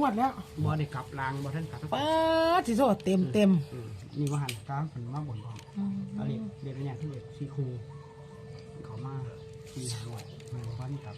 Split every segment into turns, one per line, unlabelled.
ดแล้ว
บ่ได้กลับลางบ่ท่านกลับ
ป้าที่โซเต็ม
นี่ว่าหันกลางเป็นมาบ่นก่อนเอาเด็กเนี่ยที่เด็กซีคูเขามาซีหน่วยมันวันกลับ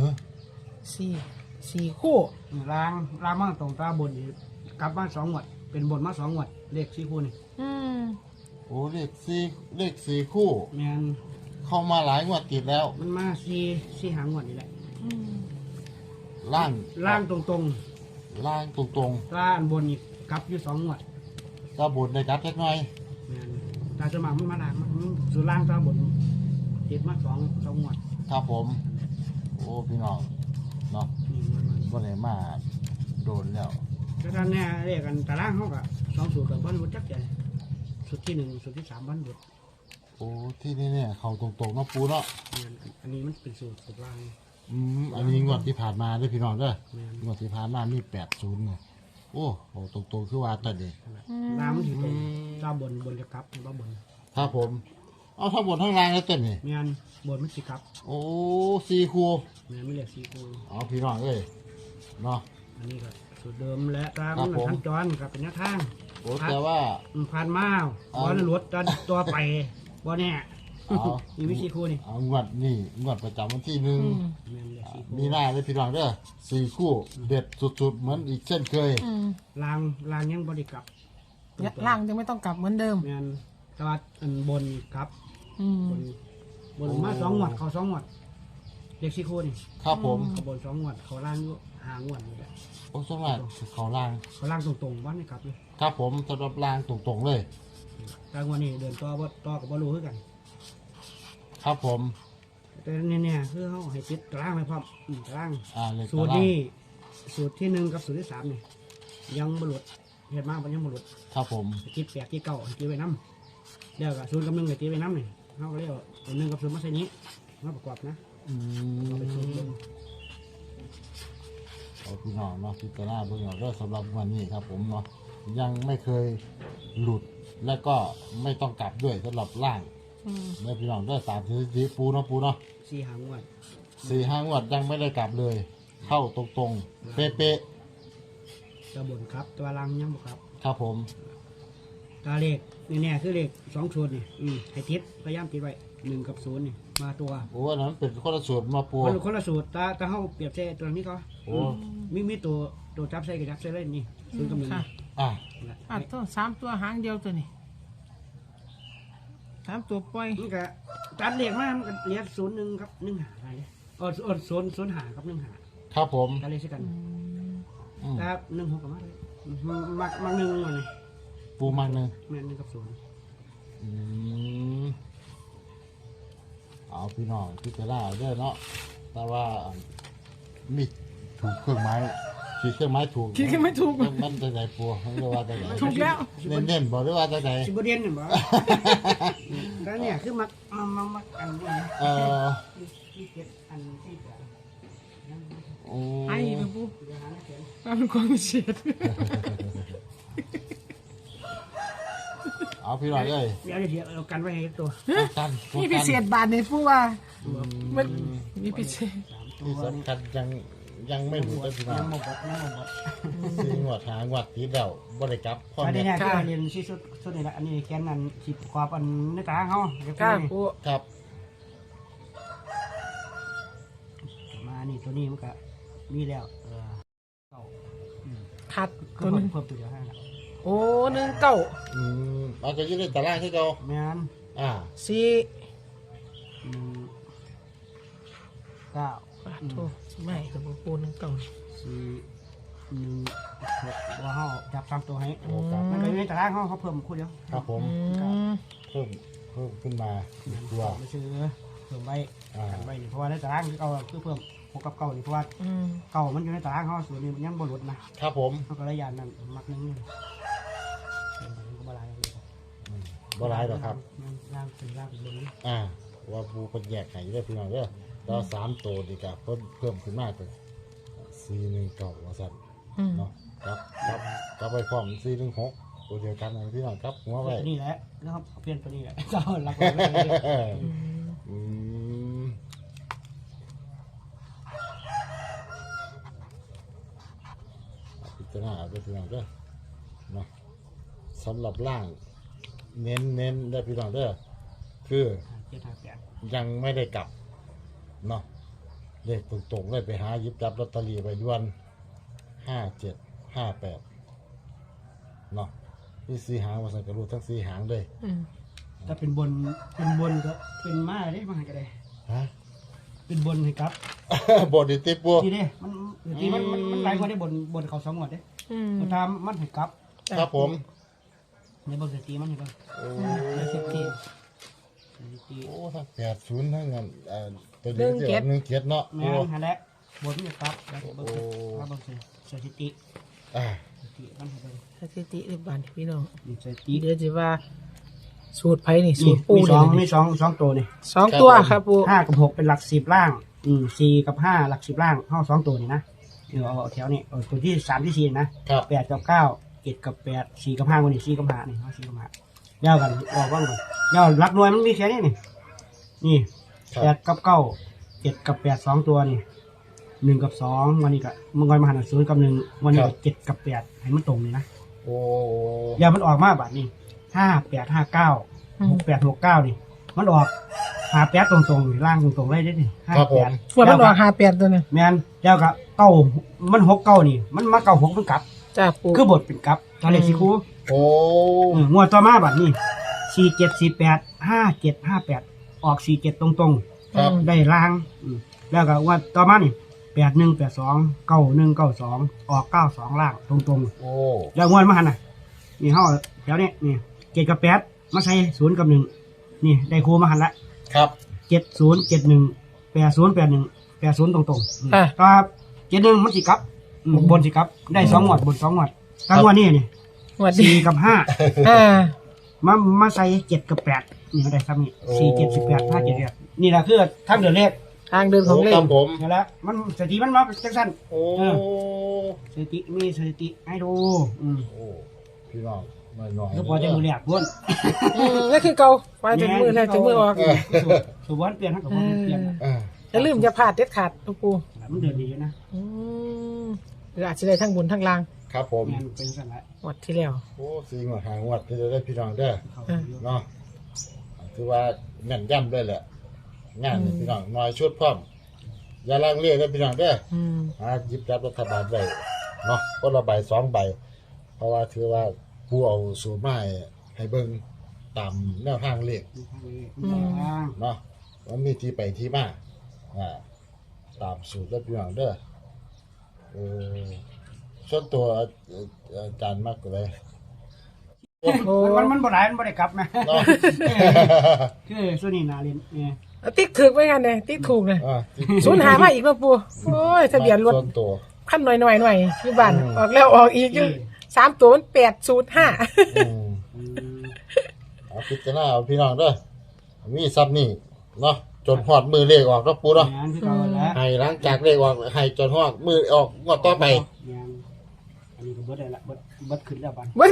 สี่คู่
ลางมาตรงตาบนกลับมา2 งวดเป็นบนมา2 งวดเลขซีคูนี่
โอ้เลขสี่คู่
แม่น
เข้ามาหลายงวดติดแล้ว
มันมาซีหางวดนี่แหละ
ล่าง
ตรง
ล่างตรง
ตาบนนี่กลับอยู่2 งวด
ก็บนได้กลับเล็กน้อย
แม่นตาสมัครมันมาล่างมันสุดล่างตาบนติดมา2 งวด
ครับผมโอ้พี่น้องเนาะก็เลยมาโดนแล้ว
แต่ท่านเนี่ยเรียกกันตารางเขาก็2 สูตรกับบ้านรุดจักใจสูตรที่1สูตรที่3บ้านรุด
โอ้ที่นี่เนี่ยเขาตรงๆเนาะปูเนาะ
อันนี้มันเป็นสูตรล่าง
อันนี้งวดที่ผ่านมาด้วยพี่น้องด้วยงวดที่ผ่านมามี80เนี่ยโอ้โหตรงๆคือว่าแต่เด็ก
น้ำมันถือตรงเจ้าบนจะกลับบ้าบน
ครับผมเอาทั้งบนทั้งล่างแล้วเต็มนี่
เมียนบนมันสิครับ
โอ้สี่คู่
เมียนไม่เรียก4 คู่
เอาพี่น้องเอ้ยเนาะ
อันนี้ก็สูตรเดิมและตามขั้นจรกับเป็นแนวทาง
โอ้แต่ว่า
ผ่านมาวันรถตัวไปว่าแน่มีวิธีคู่นี่
เอางวดประจำวันที่1มีหน้าเลยพี่น้องเด้อ4 คู่เด็ดสุดๆเหมือนอีกเช่นเคย
ลางยังบริกลับ
ล่างยังไม่ต้องกลับเหมือนเดิม
เมียนตลาดบนครับบนมา2 งวดเขา2 งวดเด็ก4 คู่นี่
ครับผม
บน2 งวดเขาล่างหางวดนี่แหละ
โอ้สำหรับเขาล่าง
ตรงวันนี้ครับเลย
ครับผมสำหรับล่างตรงๆเลย
กลางวันนี้เดินต่อกับบอลูคือกัน
ครับผม
แต่เนี่ยคือเขาให้ติดตารางเลยพร้อมตารางสูตรนี้สูตรที่1กับสูตรที่3นี่ยังบรรลุเห็นมากมันยังบรรลุ
ครับผม
ติด8ที่9ติดไว้น้ำเดี๋ยวกับสูตรกับ1เลยติดไว้น้ำนี่เขาก็เรียกว่า1กับ0มาใส่นี้มาประกอบนะเอาไปสูตรเดิม
เอาพี่น้องเนาะพิจารณาเบื้องต้นสำหรับวันนี้ครับผมเนาะยังไม่เคยหลุดและก็ไม่ต้องกลับด้วยสำหรับล่างได้พี่น้องได้ตามที่ปูเนาะ
4 หางวด
4-5 งวดยังไม่ได้กลับเลยเข้าตรงๆเป๊ะ
ๆตัวบนครับตัวล่างยังบ่ครับ
ครับผม
ตาเลขนี่คือเลข2 สูตรนี่ให้ติดพยายามติดไว้1 กับ 0นี่มาตัว
โอ้อันนั้นเป็นคนละสูตรมาปู
คนละสูตรตาเขาเปรียบเทียบตัวนี้ก็มีตัวจับใส่กับจับใส่เล่นนี่0 กับ 1
ตัว3 ตัวหางเดียวตัวนี้3 ตัวปล่อย
นี่ก็ตัดเลขมามันก็เรียก01ครับ1 หาอะไร0 หาครับ1 หา
ครับผม
ตัดเลขใช่กันครับ1 6กับมาเลยมัก1มาเลย
ปูมัก1
แม่1 กับ 0
เอาพี่น้องพิจารณาได้เนาะแต่ว่ามีถูกเครื่องไม้คิดเครื่องไม้ถูก
คิดเครื่องไม้ถูก
มันจะไหนปัวมันจะว่าจะไหน
ถูกแล้ว
เน้นบอกด้วยว่าจะไหน
สิบเด่นบ่แล้วเนี่ยคือมักอันนี้ที่เก็บอันที่เกิด
ไอ้เป็นผู้เป็นความเฉียด
เอาพี่หน่อยเลย
เดี๋ยวเอากันไว้ให้ตัว
นี่พิเศษบาทในผู้ว่ามันมีพิเศษ
ที่สำคัญยังไม่หลุดเลยพี่น้องซื้องวดหางวดตีเดาบริกรรม
พ่อเนี่ยที่เรียนที่สุดนี่แหละอันนี้แกนนั้นสิบความอันในตาเขา
ครับ
มานี่ตัวนี้มันก็มีแล้ว
ขาด
ตัวนึงเพิ่มตัวเดียวให้
โอ้1 9
เอาจะยืดในตารางที่เรา
แม่น
4
9
ถูกไม่กับปู1 9
4 1 6ว่าเขาจับ3 ตัวให้มันก็อยู่ในตารางเขาเพิ่มคู่เดียว
ครับผมเพิ่มขึ้นมาตัว
ไม่ซื้อเพิ่มไว้เพราะว่าในตารางที่เขาคือเพิ่ม6 กับ 9นี่เพราะว่า9มันอยู่ในตารางเขาส่วนนี้มันยังบรรลุนะครับ
ผม
เขาก็ระยะนั้นมักนึง
บ่ร้ายหรอครับ
ล่างเป็นบน
ว่าปูเป็นแยกไข่ได้พี่น้องเด้อเรา3 ตัวดีกับเพิ่มขึ้นมากเลย419ว่าสั่นเนาะครับไปพร้อม416ตัวเดียวกันนะพี่น้องครับหัวไว้
นี่แหละแล้วครับเปลี่ยนตัวนี้แหละเจ้ารักไว้
จารณาเอาไปพี่น้องเด้อเนาะสำหรับล่างเน้นได้พี่น้องเด้อคือ
758
ยังไม่ได้กลับเนาะเลขตรงๆเลยไปหาหยิบจับลอตเตอรี่ไปด่วน5758เนาะนี่สีหางว่าสังกะรูทั้งสีหางเลย
ถ้าเป็นบนก็เป็นมาได้มาก็ได้
ฮะ
เป็นบนให้ครับ
บทดิติปู
ทีนี้มันหลายกว่าได้บนเขา2งวดเด้มันทำมันให้ครับ
ครับผม
ในบนสถิติมันให้ครับ
โอ้
ในสถิติ
โอ้ทั้ง80ทั้งนั้นตัวนี้ที่ออก17เนาะ
แม่
โอ้
นหั่นแหละบนนี่ครับแล้วก็เบิ่งสถิติ
อ่า
สถิติมันให้เบิ่ง
สถิติในบ้านพี่น้อง
นี่สถิติ
เดี๋ยวจะว่า สูตรไผนี่สู
นี่
ตรปู
มี
นี่
มีสองตัวนี่
2 ตัวครับปู
5กับ6เป็นหลัก10ล่าง4กับ5หลัก10ล่างเฮา2ตัวนี่นะเอาแถวนี้เอาตัวที่3ที่4นะครับ 8กับ9 7กับ8 4กับ5มื้อนี้4กับ5นี่เฮา4กับ5ยาวกันออกว่างก่อนยาวหลักหน่วยมันมีแค่นี้นี่
ครับ
8กับ9 7กับ8 2ตัวนี่1กับ2วันนี้ก็มันก็มาหัน0กับ1วันนี้ก็7กับ8ให้มันตรงนี่นะ
โอ้
อย่ามันออกมาบัดนี้5859 6869นี่มันออก58ตรงๆนี่ล่างตรงๆเลยเด้นี่
ครับผม
ว่ามันออก58ตัวนึง
แม่นแล้วก็เก้ามัน69นี่มันมา96มันกลับ
จ้าปู
คือบทเป็นกลับตอนเลขสิครู
โอ้
งวดต่อมาบัดนี้4748 5758ออก47ตรง
ครับ
ๆได้ล่างแล้วก็งวดต่อมานี่8182 9192ออก92ล่างตรงๆ
โอ้
แล้วงวดมาหันน่ะนี่เฮาแถวนี้นี่7กับ8มาใส่0กับ1นี่ได้ครูมาหันละ
ครับ
7071 8081 80ตรงๆ
อ่ะ
ครับ71มันสิกลับบนสิกลับได้2งวดบน2งวดทั้งงวดนี้นี่
สวัสดี
4กับ
อ่า
5มาใส่7กับ8นี่มันได้ซ้ำนี่4 7 18 5 7 8นี่แหละคือทางเดินเลข
ทางเดินของเล
ค
ข
รับผม
นี่แหละมันสถิติมันมาจังซั่น
โอ้
สถิติมีสถิติให้ดู
โอ้พี่น้องหน่อยๆ
แล้วพอจะมือแรกพุ่น
นั่นคือเก่าไปถึงมือแล้วถึงมือออก
สุวรรณเปลี่ยนทั้งกับบ่เปลี่ยน
อ่า
อย่าลืมอย่าพลาดเด็ดขาดลูกปู
มันเดินดีอยู่นะ
หรืออาจจะได้ทั้งบนทั้งล่าง
ครับผม
งานเป็นสั่นละ
หมดที่แล้ว
โอ้สีงวดหางวดที่จะได้พี่น้องเด้อ
เขา
เนาะถือว่าแม่นย่ำด้วยแหละงานนี่พี่น้องน้อยชุดพร้อมอย่าลังเลนะพี่น้องเด้อ หาหยิบจับรัฐบาลได้เนาะคนละใบ2 ใบ เพราะว่าถือว่าผู้เอาสูตรมาให้เบิ่งตามแนวทางเลขเนาะมันมีที่ไปที่มาตามสูตรแล้วพี่น้องเด้อส่วนตัวอาจารย์มากเลย
มันบ่ได้มันบ่ได้กลับนะ
เนาะ
คือส่วนนี้นาเรียนเนี่ย
ติ๊กถึกไว้กันเลยติ๊กถูกเลย
ที่
ศูนย์หามาอีกแล้วปูโอ้ยทะเบียนรถ
ส่วนตัว
ขั้นหน่อยอยู่บ้านออกแล้วออกอีกอยู่3 ตัวมัน805
เอาพิจารณาเอาพี่น้องเด้อมีซับนี่เนาะจนฮอดมือเลขออกเนาะปูเนาะ
งานคือเก่าแล้ว
ให้หลังจากเลขออกให้จนฮอดมือออกงวดต่อไป
งานอันนี้ก็เบิดได้ละเบิดขึ้นแล้วบัด
มัน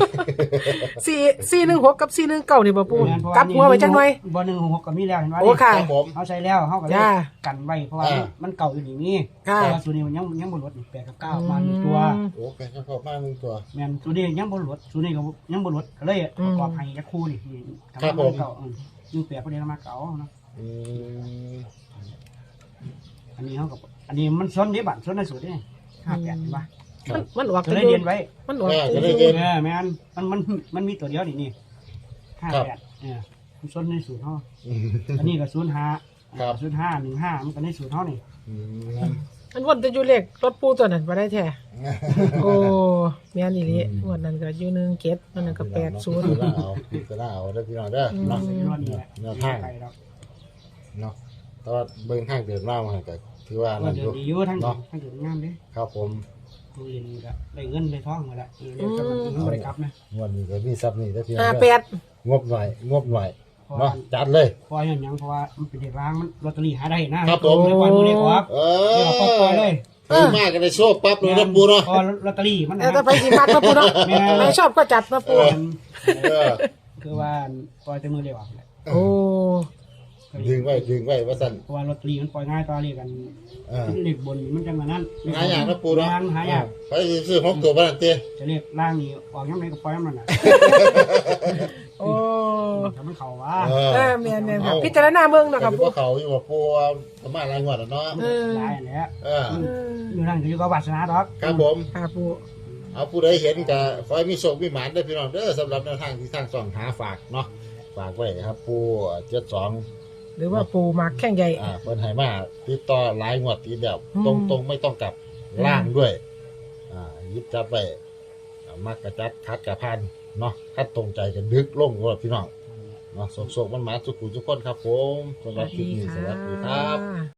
416กับ419นี่บ่ปูกลับหัวไว้จังหน่อย
บ่166ก็มีแล้วเห็นว่า
โอ้ค่ะ
ครับผม
เอาใช้แล้วเฮาก็เลย
จ้า
กันไว้เพราะว่ามันเก่าอยู่นี่มี
ค่ะ
แต่ว่าส่วนนี้มันยังบ่ลดนี่8กับ9มา1ตัว
โอ้เป็นข้าวมา1ตัว
แม่นส่วนนี้ยังบ่ลดส่วนนี้ก็ยังบ่ลดก็เลยประกอบให้จักคู่นี่กำลังมาเก่ายิ่ง8ประเดี๋ยวมาเก่าเนาะ
อืม
อันนี้เขากับอันนี้มันซ้นนี้บัตรซ้นในสุดนี่58เห็นปะ
มันออก
จะได้เรียนไว้
มันออก
จะได้เรียน
แม่นมันมีตัวเดียวนี่58มันซ้นในสูตรเขาอันนี้ก็05 05 15มันก็ในสูตรเขานี่
อืม
มันวนจะอยู่เลขรถปูตัวนั้นบ่ได้แท้โอ้แม่นอีหลีงวดนั้นก็อยู่1 7มันนั้นก็80
พิจารณาเอาได้อพี่น้องเด้อเนาะ
ใส่รอดนี่แหละ
แนวทาง
ไปแล้ว
เนาะแต่ว่าเบิ่งทางเดินมามันก็ถือว่านั่น
เดี๋
อ
ยว
ยู่
ดีอยู่ทั้งเดินงามเด้
ครับผม
ผู้เรียนก็ได้เงินได้ทองมาแล้วเรียนก็มันบ่ได้กลับนะ
งวดนี้ก็มีซับนี่ได้อพี่น้องเด้อ
58
งบหน่อยเนาะจัดเลย
เพราะอย่างยังเพราะว่ามันเป็นเด็กร้างมันลอตเตอรี่หาได้นะครับ
ผม
เลยปล่อยมือเด็กออก
เอ
เดี๋ยวปล่อยเลย
ถือมากก็ได้โชคปั๊บเลยนะปูเนาะ
พอลอตเตอรี่มัน
แต่ไปสิมักนะปูเนาะไม่ชอบก็จัดนะปู
เออ
คือว่าปล่อยแต่มือเดียว
โอ้
ดึงไว้ว่าสั่น
เพราะว่าลอตเตอรี่มันปล่อยง่ายต่อเรียกกัน
อ่า
เลขบนมันจังมานั้น
หาอย่างนะปูเนาะ
หายาก
ไปซื้อหกตัวบ้านเตี้ย
จะเรียกล่างนี่ออกยังไงก็ปล่อยมันน่ะ
โอ้
ถ้ามันเข้าว่า
แม่นค่ะพิจารณาเบิ่งเนาะครับ
ปู
ปู
เขาอยู่ว่าปูประมาณรายงวดแล้วเนาะ
หลายอันแหล้ว
อืม
อยู่นั่นก็อยู่กับวาสนาดอก
ครับผม
ค่ะปู
เอาผู้ใดเห็นก็ขอให้มีโชคมีหมานได้อพี่น้องเด้อสำหรับแนวทางที่ทางส่องหาฝากเนาะฝากไว้ครับปู72
หรือว่าปูมักแข่งใหญ่
เพิ่นให้มาติดต่อหลายงวดติดแล้ว
อืม
ตรงๆไม่ต้องกลับล่างด้วยหยิบจับไว้มักกระจัดคัดกระพันเนาะคัดตรงใจกันดึกลงว่าพี่น้องเนาะโศกๆมันมาทุกผู้ทุกคนครับผมสำหรับคลิปนี้สวัสดีครับ